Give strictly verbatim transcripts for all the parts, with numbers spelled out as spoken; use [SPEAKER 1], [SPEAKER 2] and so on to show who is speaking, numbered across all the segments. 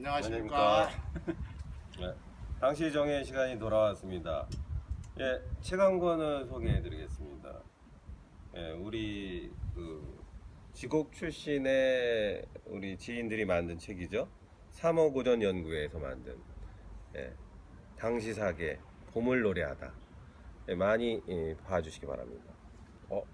[SPEAKER 1] 안녕하십니까.
[SPEAKER 2] 네, 당시 정의 시간이 돌아왔습니다. 예, 책 한 권을 소개해드리겠습니다. 예, 우리 그 지곡 출신의 우리 지인들이 만든 책이죠. 삼어고전 연구회에서 만든 예, 당시사계 봄을 노래하다. 예, 많이 예, 봐주시기 바랍니다. 어?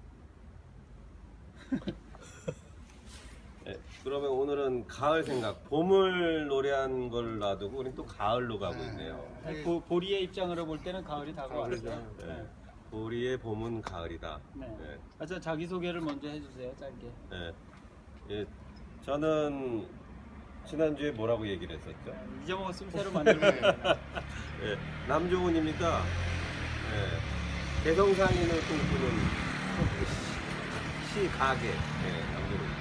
[SPEAKER 2] 네, 그러면 오늘은 가을 생각, 봄을 노래한 걸 놔두고 우린 또 가을로 가고 있네요.
[SPEAKER 1] 네.
[SPEAKER 3] 보, 보리의 입장으로 볼 때는 가을이 다가왔죠.
[SPEAKER 2] 네.
[SPEAKER 3] 네.
[SPEAKER 2] 우리의 봄은 가을이다.
[SPEAKER 3] 네.
[SPEAKER 2] 네.
[SPEAKER 3] 아, 저 자기 소개를 먼저 해주세요, 짧게.
[SPEAKER 2] 네. 예, 저는 지난주에 뭐라고 얘기를 했었죠?
[SPEAKER 3] 잊어먹었으면 새로 만들고. 네.
[SPEAKER 2] 예, 남조훈입니다. 예, 개성상인을 꿈꾸는 시 가게. 예, 남조훈.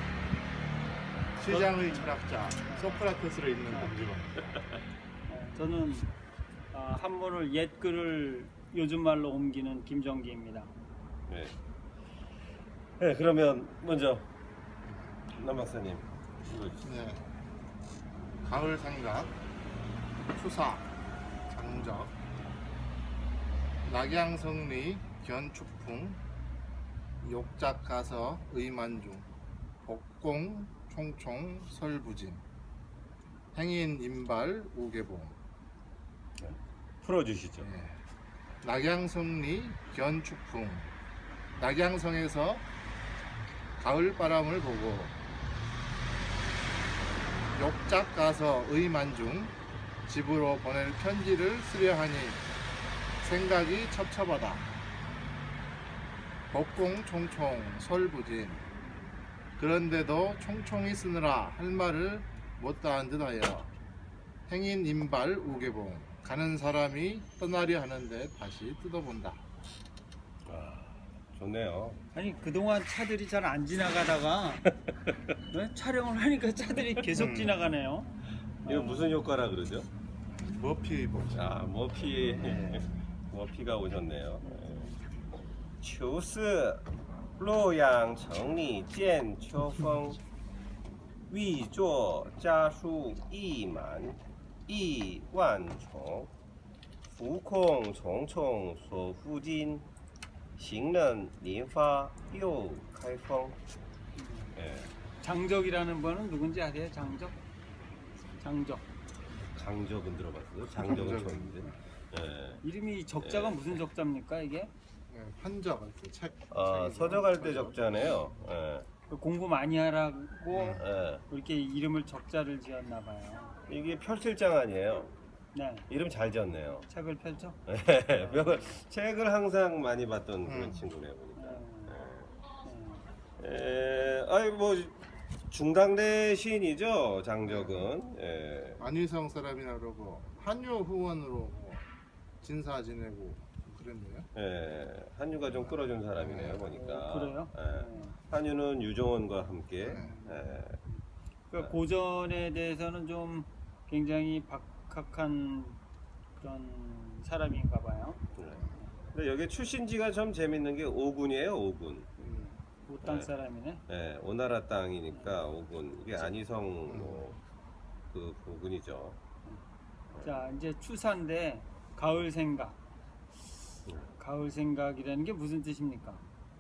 [SPEAKER 1] 시장의 철학자 소크라테스를 읽는 남주로.
[SPEAKER 3] 저는 아, 한문을 옛 글을 요즘 말로 옮기는 김정기입니다.
[SPEAKER 2] 네. 네, 그러면 먼저 남 박사님 읽어주시죠.
[SPEAKER 1] 네. 가을 생각, 추사, 장적, 낙양성리, 견축풍, 욕작가서, 의만중, 복공, 총총, 설부진, 행인, 임발, 우계봉.
[SPEAKER 2] 풀어주시죠.
[SPEAKER 1] 네. 낙양성리, 견축풍. 낙양성에서 가을 바람을 보고 욕작 가서 의만중 집으로 보낼 편지를 쓰려하니 생각이 첩첩하다. 복공 총총 설부진. 그런데도 총총히 쓰느라 할 말을 못다한 듯하여 행인 임발 우계봉. 가는 사람이 떠나려 하는데 다시 뜯어본다.
[SPEAKER 2] 아, 좋네요.
[SPEAKER 3] 아니 그동안 차들이 잘 안 지나가다가 네? 촬영을 하니까 차들이 계속
[SPEAKER 1] 음.
[SPEAKER 3] 지나가네요.
[SPEAKER 2] 이거
[SPEAKER 3] 어,
[SPEAKER 2] 무슨 효과라 그러죠?
[SPEAKER 1] 머피 복.
[SPEAKER 2] 아, 머피 머피가 오셨네요. 秋四洛阳城里见秋风，欲作家书意满意万重，浮空重重所附近，行人连发又开封。 예,
[SPEAKER 3] 장적이라는 분은 누군지 아세요? 장적? 장적.
[SPEAKER 2] 강적은 들어봤어요. 장적은
[SPEAKER 1] 강적은.
[SPEAKER 2] 처음인데. 예.
[SPEAKER 3] 이름이 적자가
[SPEAKER 2] 예.
[SPEAKER 3] 무슨 적자입니까 이게?
[SPEAKER 1] 네, 환적 그 책.
[SPEAKER 2] 아,
[SPEAKER 1] 책이죠.
[SPEAKER 2] 서적할 때 적자네요. 예.
[SPEAKER 3] 그 공부 많이 하라고
[SPEAKER 2] 예.
[SPEAKER 3] 이렇게 이름을 적자를 지었나 봐요.
[SPEAKER 2] 이게 펼칠장 아니에요.
[SPEAKER 3] 네.
[SPEAKER 2] 이름 잘 지었네요.
[SPEAKER 3] 책을 펼쳐?
[SPEAKER 2] 예, 벽을- 책을 항상 많이 봤던 그런
[SPEAKER 1] 음.
[SPEAKER 2] 친구네요 보니까.
[SPEAKER 3] 네.
[SPEAKER 2] 예, 아이 뭐 중당대 시인이죠 장적은. 예.
[SPEAKER 1] 안희성 사람이나 그러고 한유 후원으로 뭐 진사 지내고 그랬네요.
[SPEAKER 2] 예, 한유가 좀 끌어준 사람이네요 보니까.
[SPEAKER 3] 어, 그래요?
[SPEAKER 2] 예.
[SPEAKER 3] 네.
[SPEAKER 2] 한유는 유종원과 함께.
[SPEAKER 1] 네.
[SPEAKER 2] 예.
[SPEAKER 3] 그 고전에 대해서는 좀 굉장히 박학한 그런 사람인가 봐요.
[SPEAKER 2] 예. 근데 여기 출신지가 참 재밌는 게 오군이에요 오군.
[SPEAKER 1] 음.
[SPEAKER 3] 못땅
[SPEAKER 2] 네.
[SPEAKER 3] 사람이네.
[SPEAKER 2] 예, 오나라 땅이니까 오군. 이게 안희성 뭐 그 부근이죠.
[SPEAKER 3] 자 이제 추사인데 가을 생각.
[SPEAKER 2] 네.
[SPEAKER 3] 가을 생각이라는 게 무슨 뜻입니까?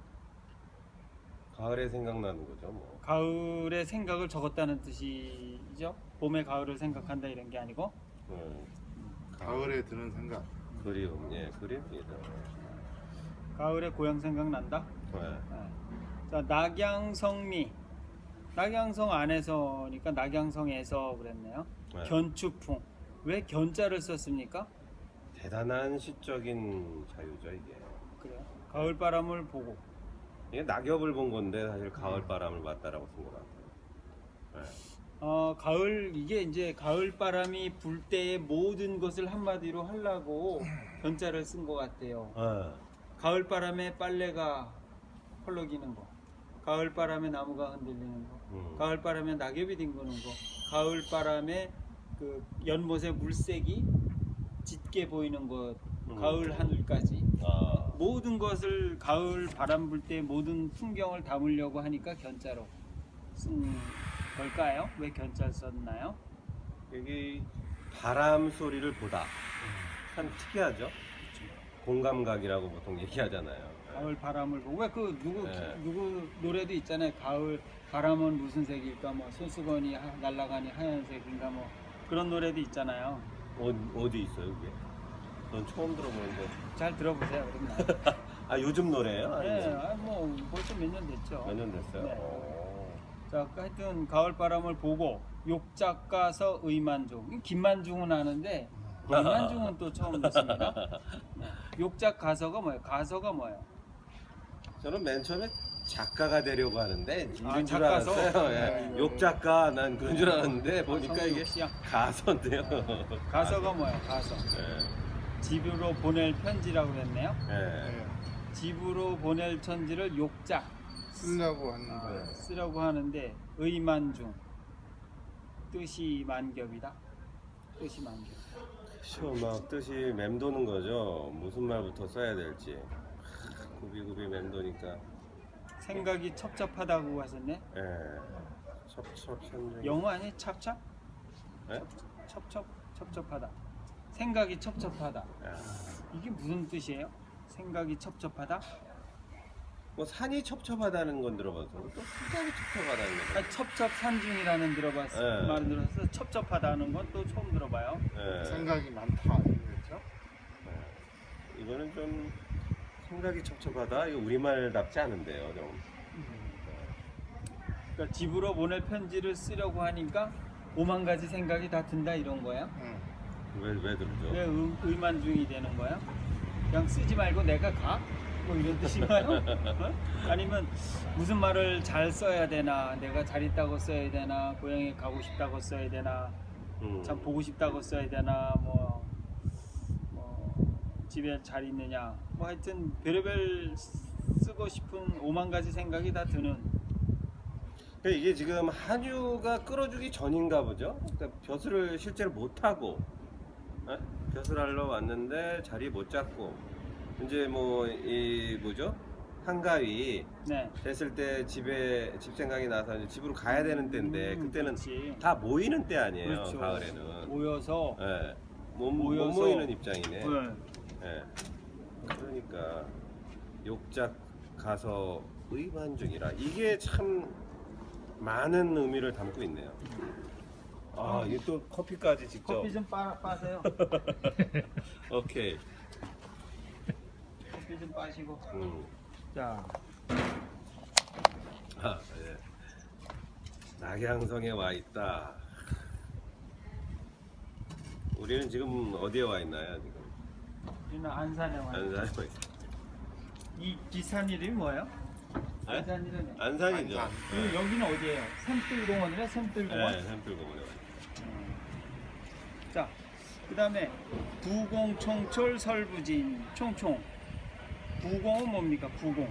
[SPEAKER 2] 가을에 생각나는 거죠 뭐.
[SPEAKER 3] 가을의 생각을 적었다는 뜻이죠. 봄에 가을을 생각한다 이런 게 아니고.
[SPEAKER 2] 예,
[SPEAKER 1] 가을에 드는 생각.
[SPEAKER 2] 그리움, 예, 그립니다.
[SPEAKER 3] 가을에 고향 생각난다.
[SPEAKER 2] 예.
[SPEAKER 3] 네. 자 낙양성리. 낙양성 안에서니까 낙양성에서 그랬네요.
[SPEAKER 2] 네.
[SPEAKER 3] 견추풍. 왜 견자를 썼습니까?
[SPEAKER 2] 대단한 시적인 자유죠 이게.
[SPEAKER 3] 그래요. 가을 바람을 보고.
[SPEAKER 2] 이게 낙엽을 본 건데 사실 가을 바람을 봤다라고 쓴 것 같아요. 예.
[SPEAKER 3] 어, 가을 이게 이제 가을 바람이 불 때의 모든 것을 한마디로 하려고 견자를 쓴 것 같아요.
[SPEAKER 2] 예.
[SPEAKER 3] 가을 바람에 빨래가 펄럭이는 거, 가을 바람에 나무가 흔들리는 거,
[SPEAKER 2] 음.
[SPEAKER 3] 가을 바람에 낙엽이 뒹구는 거, 가을 바람에 그 연못의 물색이 짙게 보이는 것,
[SPEAKER 2] 음.
[SPEAKER 3] 가을 하늘까지
[SPEAKER 2] 아,
[SPEAKER 3] 모든 것을 가을 바람 불 때 모든 풍경을 담으려고 하니까 견자로 쓴 걸까요? 왜 견자 썼나요?
[SPEAKER 2] 여기 바람 소리를 보다. 참 특이하죠. 공감각이라고 보통 얘기하잖아요.
[SPEAKER 3] 가을 바람을 보고 왜 그 누구
[SPEAKER 2] 네.
[SPEAKER 3] 누구 노래도 있잖아요. 가을 바람은 무슨 색일까 뭐 손수건이 하- 날아가니 하얀색인가 뭐 그런 노래도 있잖아요.
[SPEAKER 2] 어, 어디 있어요, 그게? 전 처음 들어보는데.
[SPEAKER 3] 잘 들어보세요. 그러면.
[SPEAKER 2] 아, 요즘 노래예요?
[SPEAKER 3] 네,
[SPEAKER 2] 아니면
[SPEAKER 3] 아, 뭐 벌써 몇 년 됐죠.
[SPEAKER 2] 몇 년 됐어요?
[SPEAKER 3] 네.
[SPEAKER 2] 오.
[SPEAKER 3] 자, 그 하여튼 가을 바람을 보고 욕작가서 의만중. 김만중은 아는데 의만중은 또 처음 듣습니다. 네. 욕작 가서가 뭐예요? 가서가 뭐예요?
[SPEAKER 2] 저는 맨 처음에 작가가 되려고 하는데 이런
[SPEAKER 3] 아,
[SPEAKER 2] 줄
[SPEAKER 3] 작가서?
[SPEAKER 2] 알았어요. 예.
[SPEAKER 1] 네.
[SPEAKER 2] 욕작가 난 그런 줄 알았는데 보니까
[SPEAKER 3] 성우
[SPEAKER 2] 이게
[SPEAKER 3] 욕시야.
[SPEAKER 2] 가서인데요.
[SPEAKER 3] 가서가 뭐예요? 가서.
[SPEAKER 2] 예.
[SPEAKER 3] 집으로 보낼 편지라고 그랬네요.
[SPEAKER 2] 예.
[SPEAKER 1] 네.
[SPEAKER 3] 집으로 보낼 편지를 욕작
[SPEAKER 1] 쓰려고
[SPEAKER 3] 아,
[SPEAKER 1] 하는데
[SPEAKER 3] 쓰려고 하는데 의만중 뜻이 만겹이다. 뜻이 만겹.
[SPEAKER 2] 그쵸, 막 뜻이 맴도는 거죠. 무슨 말부터 써야 될지. 하, 구비구비 맴도니까.
[SPEAKER 3] 생각이 첩첩하다고 하셨네.
[SPEAKER 2] 예. 첩첩산중.
[SPEAKER 3] 영어 아니 찹찹?
[SPEAKER 2] 예?
[SPEAKER 3] 첩첩 첩첩하다. 생각이 첩첩하다.
[SPEAKER 2] 야.
[SPEAKER 3] 이게 무슨 뜻이에요? 생각이 첩첩하다?
[SPEAKER 2] 뭐 산이 첩첩하다는 건 들어봐서 또 생각이 첩첩하다는 거.
[SPEAKER 3] 아니, 첩첩산중이라는 들어봤어.
[SPEAKER 2] 네.
[SPEAKER 3] 말은 들어서 첩첩하다는 건 또 처음 들어봐요.
[SPEAKER 2] 예.
[SPEAKER 1] 생각이 많다 이거죠.
[SPEAKER 2] 예. 이거는 좀 생각이 첩첩하다. 이거 우리말답지 않은데요, 좀.
[SPEAKER 3] 그러니까 집으로 보낼 편지를 쓰려고 하니까 오만 가지 생각이 다 든다 이런 거야.
[SPEAKER 1] 응.
[SPEAKER 2] 왜, 왜 들죠?
[SPEAKER 3] 왜 의, 의만중이 되는 거야? 그냥 쓰지 말고 내가 가? 뭐 이런 뜻인가요? 어? 아니면 무슨 말을 잘 써야 되나? 내가 잘 있다고 써야 되나? 고향에 가고 싶다고 써야 되나?
[SPEAKER 2] 음.
[SPEAKER 3] 참 보고 싶다고 써야 되나? 뭐, 뭐 집에 잘 있느냐? 뭐 하여튼 별의별 쓰고 싶은 오만 가지 생각이 다 드는.
[SPEAKER 2] 그러니까 이게 지금 한유가 끌어주기 전인가 보죠? 그러니까 벼슬을 실제로 못 하고 어? 벼슬 하러 왔는데 자리 못 잡고 이제 뭐 이 뭐죠? 한가위
[SPEAKER 3] 네.
[SPEAKER 2] 됐을 때 집에 집 생각이 나서 이제 집으로 가야 되는 때인데
[SPEAKER 3] 음,
[SPEAKER 2] 그때는
[SPEAKER 3] 그렇지.
[SPEAKER 2] 다 모이는 때 아니에요.
[SPEAKER 3] 그렇죠.
[SPEAKER 2] 가을에는.
[SPEAKER 3] 모여서
[SPEAKER 2] 예. 못,
[SPEAKER 3] 모여서-
[SPEAKER 2] 못 모이는 입장이네.
[SPEAKER 3] 네.
[SPEAKER 2] 예. 그러니까 욕작 가서 의만중이라 이게 참 많은 의미를 담고 있네요. 아, 이게 또 커피까지 직접.
[SPEAKER 3] 커피 좀 빠, 빠세요.
[SPEAKER 2] 오케이.
[SPEAKER 3] 커피 좀 빠시고.
[SPEAKER 2] 음.
[SPEAKER 3] 자,
[SPEAKER 2] 아, 예. 낙양성에 와 있다. 우리는 지금 어디에 와 있나요? 지금
[SPEAKER 3] 우리는 안산에 와. 있어요.
[SPEAKER 2] 안산에 와 있어.
[SPEAKER 3] 이 비산 이름이 뭐예요?
[SPEAKER 2] 네?
[SPEAKER 3] 안산 이름이.
[SPEAKER 2] 안산이죠.
[SPEAKER 1] 안산.
[SPEAKER 3] 그리고 여기는 어디예요? 샘뜰공원이래. 샘뜰공원.
[SPEAKER 2] 네, 샘플공원에 와 있어요.
[SPEAKER 3] 자, 그다음에 부공총철 설부진 총총. 부공은 뭡니까? 부공.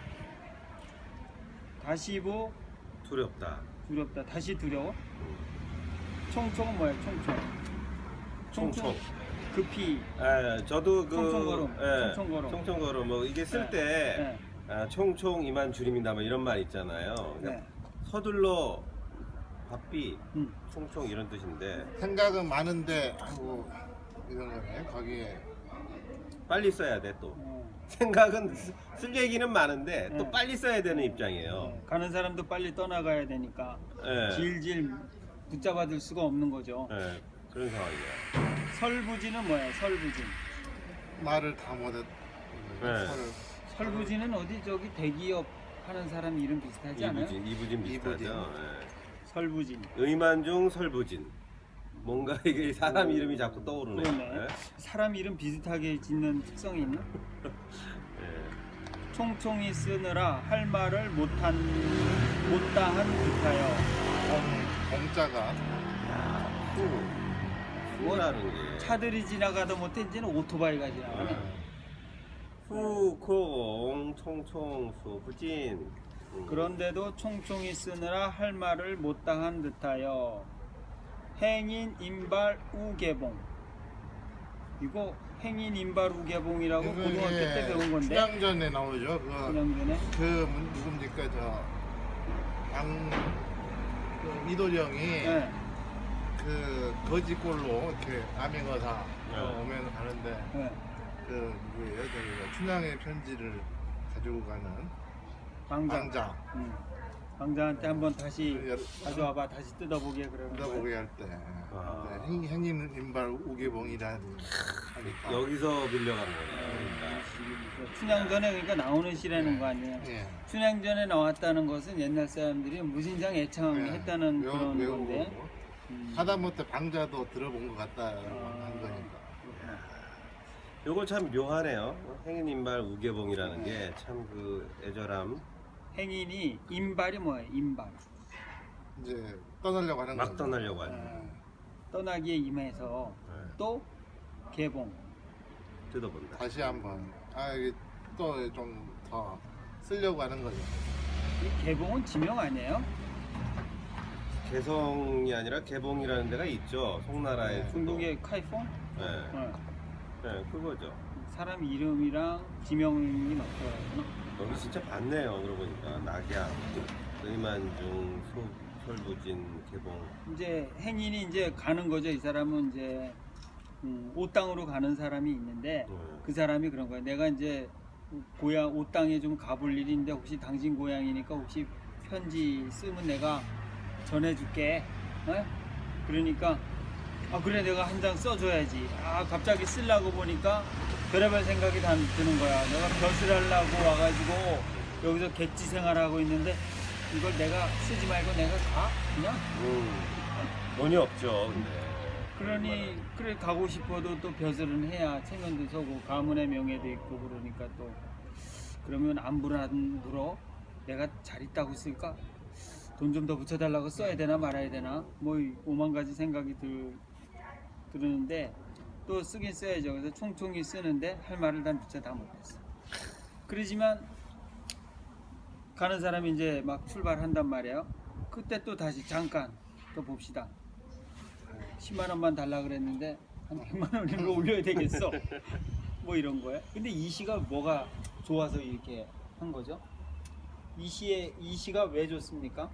[SPEAKER 3] 다시부
[SPEAKER 2] 두렵다.
[SPEAKER 3] 두렵다. 다시 두려워. 총총은 뭐예요? 총총.
[SPEAKER 2] 총총.
[SPEAKER 3] 급히.
[SPEAKER 2] 예, 저도 그
[SPEAKER 3] 총총걸음,
[SPEAKER 2] 예,
[SPEAKER 3] 총총걸음.
[SPEAKER 2] 총총걸음 뭐 이게 쓸
[SPEAKER 3] 네,
[SPEAKER 2] 때
[SPEAKER 3] 네.
[SPEAKER 2] 아, 총총 이만 줄임이다 뭐 이런 말 있잖아요. 그러니까
[SPEAKER 3] 네.
[SPEAKER 2] 서둘러 바삐
[SPEAKER 3] 음.
[SPEAKER 2] 총총 이런 뜻인데
[SPEAKER 1] 생각은 많은데 하고 이런 거네. 거기에
[SPEAKER 2] 빨리 써야 돼 또.
[SPEAKER 3] 어.
[SPEAKER 2] 생각은 쓰- 쓸 얘기는 많은데 또
[SPEAKER 3] 네.
[SPEAKER 2] 빨리 써야 되는 입장이에요.
[SPEAKER 3] 네. 가는 사람도 빨리 떠나가야 되니까
[SPEAKER 2] 예.
[SPEAKER 3] 질질 붙잡아둘 수가 없는 거죠.
[SPEAKER 2] 예, 그런 상황이에요.
[SPEAKER 3] 설부지는 뭐예요? 설부진.
[SPEAKER 1] 말을 다 못했.
[SPEAKER 2] 네.
[SPEAKER 3] 설부진은 어디 저기 대기업 하는 사람 이름 비슷하지 않아요?
[SPEAKER 2] 이부진, 이부진 비슷하죠.
[SPEAKER 1] 이부진.
[SPEAKER 2] 예.
[SPEAKER 3] 설부진.
[SPEAKER 2] 의만중 설부진. 뭔가 이게 사람 이름이 자꾸 떠오르네.
[SPEAKER 3] 그러네.
[SPEAKER 2] 예?
[SPEAKER 3] 사람 이름 비슷하게 짓는 특성이 있나?
[SPEAKER 2] 예.
[SPEAKER 3] 총총이 쓰느라 할 말을 못한 못다한 듯하여.
[SPEAKER 1] 공, 공짜가
[SPEAKER 2] 후. 후라는 게.
[SPEAKER 3] 차들이 지나가도 못해 이제는 오토바이가 지나가네.
[SPEAKER 2] 예. 후콩 총총 수부진. 음.
[SPEAKER 3] 그런데도 총총이 쓰느라 할 말을 못다한 듯하여. 행인 인발 우개봉. 이거 행인 인발 우개봉이라고
[SPEAKER 1] 이거
[SPEAKER 3] 고등학교
[SPEAKER 1] 이제
[SPEAKER 3] 때 배운 건데.
[SPEAKER 1] 춘향전에 나오죠. 그,
[SPEAKER 3] 그냥 전에.
[SPEAKER 1] 그 문- 누굽니까 저 양, 그 이도령이
[SPEAKER 3] 네.
[SPEAKER 1] 그 거지꼴로 이렇게 남행어사
[SPEAKER 2] 네.
[SPEAKER 1] 오면 가는데
[SPEAKER 3] 네.
[SPEAKER 1] 그 누구예요? 저기 춘향의 편지를 가지고 가는
[SPEAKER 3] 방장.
[SPEAKER 1] 방자
[SPEAKER 3] 응. 방장한테 한번 다시
[SPEAKER 1] 여러-
[SPEAKER 3] 가져와봐. 다시 뜯어보게 그러는 거예요.
[SPEAKER 1] 뜯어보게 할 때
[SPEAKER 2] 아.
[SPEAKER 1] 네, 행, 행인 인발 우계봉이라는 하니까
[SPEAKER 2] 여기서 빌려간 거네요. 그러니까.
[SPEAKER 3] 춘향전에 그러니까 나오는 시라는 거 아니에요.
[SPEAKER 1] 예.
[SPEAKER 3] 춘향전에 나왔다는 것은 옛날 사람들이 무진장 애창했다는
[SPEAKER 1] 예.
[SPEAKER 3] 그런
[SPEAKER 1] 외우-
[SPEAKER 3] 건데.
[SPEAKER 1] 외우고
[SPEAKER 3] 음.
[SPEAKER 1] 하다못해 방자도 들어본 것 같다라고
[SPEAKER 3] 아.
[SPEAKER 1] 한 거니까.
[SPEAKER 2] 요거 참 묘하네요. 행인 인발 우계봉이라는 게 참 그 애절함
[SPEAKER 3] 행인이 인발이 뭐예요? 인발.
[SPEAKER 1] 이제 떠나려고 하는
[SPEAKER 2] 막
[SPEAKER 1] 거죠.
[SPEAKER 2] 떠나려고 하는 거.
[SPEAKER 3] 어, 떠나기에 임해서
[SPEAKER 2] 네.
[SPEAKER 3] 또 개봉.
[SPEAKER 2] 뜯어본다.
[SPEAKER 1] 다시 한번 아 이게 또 좀 더 쓰려고 하는 거죠.
[SPEAKER 3] 이 개봉은 지명 아니에요?
[SPEAKER 2] 개성이 아니라 개봉이라는 데가 있죠. 송나라의
[SPEAKER 1] 네.
[SPEAKER 2] 주도.
[SPEAKER 3] 중국의 카이퐁?
[SPEAKER 2] 네.
[SPEAKER 3] 어.
[SPEAKER 2] 네, 그거죠.
[SPEAKER 3] 사람 이름이랑 지명이 맞더라고요.
[SPEAKER 2] 여기 진짜 많네요. 그러고 보니까 낙양, 의만중, 소, 솔부진, 개봉.
[SPEAKER 3] 이제 행인이 이제 가는 거죠. 이 사람은 이제 음, 옷땅으로 가는 사람이 있는데
[SPEAKER 2] 네.
[SPEAKER 3] 그 사람이 그런 거예요. 내가 이제 고향 옷땅에 좀 가볼 일이 있는데 혹시 당신 고향이니까 혹시 편지 쓰면 내가 전해줄게. 어? 그러니까 아 그래 내가 한 장 써줘야지. 아 갑자기 쓰려고 보니까 별의별 생각이 다 드는 거야. 내가 벼슬 하려고 와가지고 여기서 객지 생활하고 있는데 이걸 내가 쓰지 말고 내가 가? 그냥?
[SPEAKER 2] 음, 돈이 없죠. 근데.
[SPEAKER 3] 그러니 그래 가고 싶어도 또 벼슬은 해야 체면도 서고 가문의 명예도 있고 그러니까 또 그러면 안 불어 안 불어 내가 잘 있다고 쓸까? 돈 좀 더 붙여달라고 써야 되나 말아야 되나? 뭐 오만 가지 생각이 들, 들었는데 또 쓰긴 써야죠. 그래서 총총히 쓰는데 할 말을 다 미처 다 못했어. 그러지만 가는 사람이 이제 막 출발한단 말이에요. 그때 또 다시 잠깐 또 봅시다. 십만 원만 달라 그랬는데 한 백만 원으로 올려야 되겠어. 뭐 이런 거예요. 근데 이 시가 뭐가 좋아서 이렇게 한 거죠? 이 시에 이 시가 왜 좋습니까?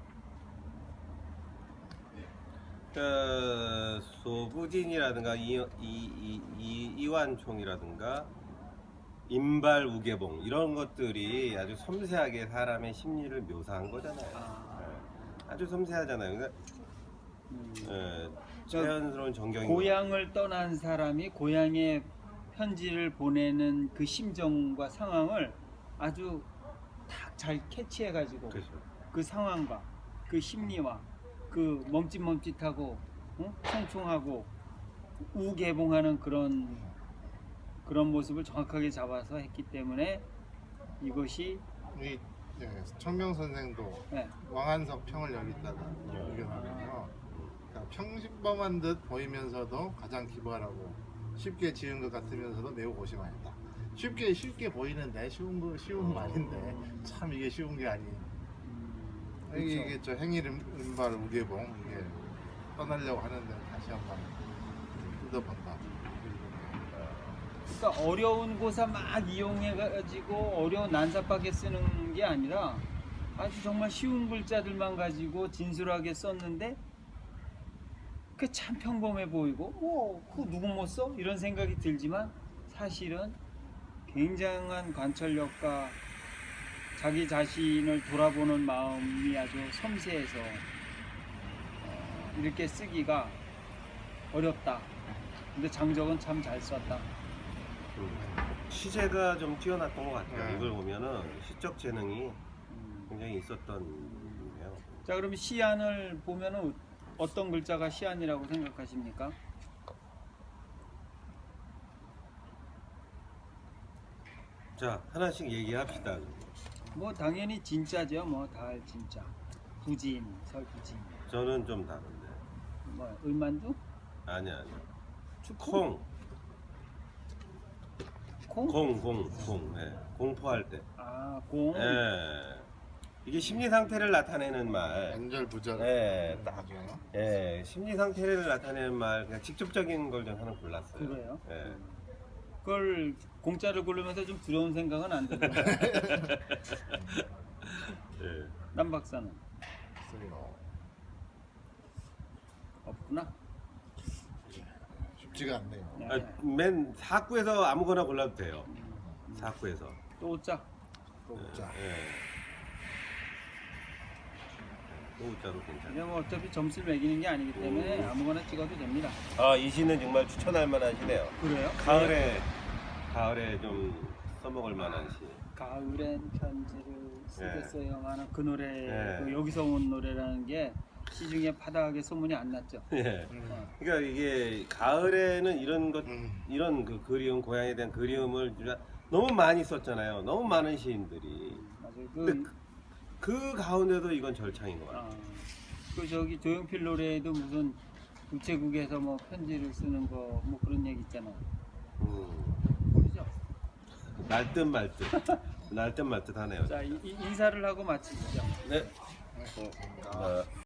[SPEAKER 2] 그 소부진이라든가 이, 이, 이, 이, 이완총이라든가 인발 우계봉 이런 것들이 아주 섬세하게 사람의 심리를 묘사한 거잖아요.
[SPEAKER 3] 아.
[SPEAKER 2] 네. 아주 섬세하잖아요. 그러니까
[SPEAKER 3] 음,
[SPEAKER 2] 예,
[SPEAKER 3] 저
[SPEAKER 2] 자연스러운 전경이
[SPEAKER 3] 고향을 떠난 사람이 고향에 편지를 보내는 그 심정과 상황을 아주 다 잘 캐치해가지고
[SPEAKER 2] 그렇죠.
[SPEAKER 3] 그 상황과 그 심리와 그 멈칫멈칫하고 어? 총총하고 우개봉하는 그런 그런 모습을 정확하게 잡아서 했기 때문에 이것이
[SPEAKER 1] 이 예, 청명 선생도
[SPEAKER 3] 네,
[SPEAKER 1] 왕한석 평을 여기다가 의견하면요. 그러니까 평범한 듯 보이면서도 가장 기발하고 쉽게 지은 것 같으면서도 매우 고심하였다. 쉽게 쉽게 보이는데 쉬운 거 쉬운 말인데 참 이게 쉬운 게 아닌.
[SPEAKER 3] 음,
[SPEAKER 1] 이게,
[SPEAKER 3] 그렇죠.
[SPEAKER 1] 이게 저 행일 은발 우계봉 이게 떠나려고 하는데 다시 한번 뜯어본다.
[SPEAKER 3] 그러니까 어려운 고사 막 이용해가지고 어려운 난사밖에 쓰는 게 아니라 아주 정말 쉬운 글자들만 가지고 진솔하게 썼는데 그 참 평범해 보이고 뭐 그 누구 못 써? 이런 생각이 들지만 사실은 굉장한 관찰력과 자기 자신을 돌아보는 마음이 아주 섬세해서 어, 이렇게 쓰기가 어렵다. 근데 장적은 참 잘 썼다.
[SPEAKER 2] 시제가 좀 뛰어났던 것 같아요.
[SPEAKER 1] 네.
[SPEAKER 2] 이걸 보면은 시적 재능이
[SPEAKER 3] 음.
[SPEAKER 2] 굉장히 있었던 분이에요.
[SPEAKER 3] 자, 그럼 시안을 보면은 어떤 글자가 시안이라고 생각하십니까?
[SPEAKER 2] 자, 하나씩 얘기합시다.
[SPEAKER 3] 뭐 당연히 진짜죠. 뭐 다 진짜. 부진, 설부진.
[SPEAKER 2] 저는 좀 다른데.
[SPEAKER 3] 뭐 을만두?
[SPEAKER 2] 아니야, 아니야.
[SPEAKER 3] 축구?
[SPEAKER 2] 콩,
[SPEAKER 3] 콩?
[SPEAKER 2] 공, 공, 공. 네. 공포할 때.
[SPEAKER 3] 아, 공.
[SPEAKER 2] 예. 이게 심리 상태를 나타내는 말.
[SPEAKER 1] 안절부절.
[SPEAKER 2] 예, 딱.
[SPEAKER 1] 하죠.
[SPEAKER 2] 예, 심리 상태를 나타내는 말. 그냥 직접적인 걸 좀 하나 골랐어요.
[SPEAKER 3] 그래요?
[SPEAKER 2] 예.
[SPEAKER 3] 그걸 공짜를 고르면서 좀 두려운 생각은 안 들어요.
[SPEAKER 2] 예.
[SPEAKER 3] 남 박사는
[SPEAKER 1] 글쎄요.
[SPEAKER 3] 없구나.
[SPEAKER 1] 쉽지가 않네요.
[SPEAKER 3] 네.
[SPEAKER 2] 아, 맨 사구에서 아무거나 골라도 돼요. 사구에서.
[SPEAKER 3] 또 짜.
[SPEAKER 1] 자,
[SPEAKER 2] 예. 또자도 괜찮아요.
[SPEAKER 3] 근데 뭐 어차피 점수를 매기는 게 아니기 때문에
[SPEAKER 2] 음.
[SPEAKER 3] 아무거나 찍어도 됩니다.
[SPEAKER 2] 아, 이 시는 정말 추천할 만한 시네요.
[SPEAKER 3] 그래요?
[SPEAKER 2] 가을에 가을에 좀 써먹을 만한 시.
[SPEAKER 3] 가을엔 편지를 쓰겠어요. 하는 그 노래,
[SPEAKER 2] 네.
[SPEAKER 3] 그 여기서 온 노래라는 게 시중에 파다하게 소문이 안 났죠.
[SPEAKER 2] 예.
[SPEAKER 1] 음.
[SPEAKER 2] 그러니까 이게 가을에는 이런 것
[SPEAKER 1] 음.
[SPEAKER 2] 이런 그 그리움 고향에 대한 그리움을 진짜 너무 많이 썼잖아요. 너무 많은 시인들이.
[SPEAKER 3] 맞아요.
[SPEAKER 2] 근데
[SPEAKER 3] 그,
[SPEAKER 2] 그 가운데도 이건 절창인 것 같아요.
[SPEAKER 3] 아, 그 저기 조용필 노래에도 무슨 우체국에서 뭐 편지를 쓰는 거 뭐 그런 얘기 있잖아요.
[SPEAKER 2] 음.
[SPEAKER 3] 모르죠?
[SPEAKER 2] 날듯 말듯 날듯 말듯 하네요.
[SPEAKER 3] 자, 이, 이- 인사를 하고 마치시죠.
[SPEAKER 2] 네.
[SPEAKER 1] 네.
[SPEAKER 2] 어,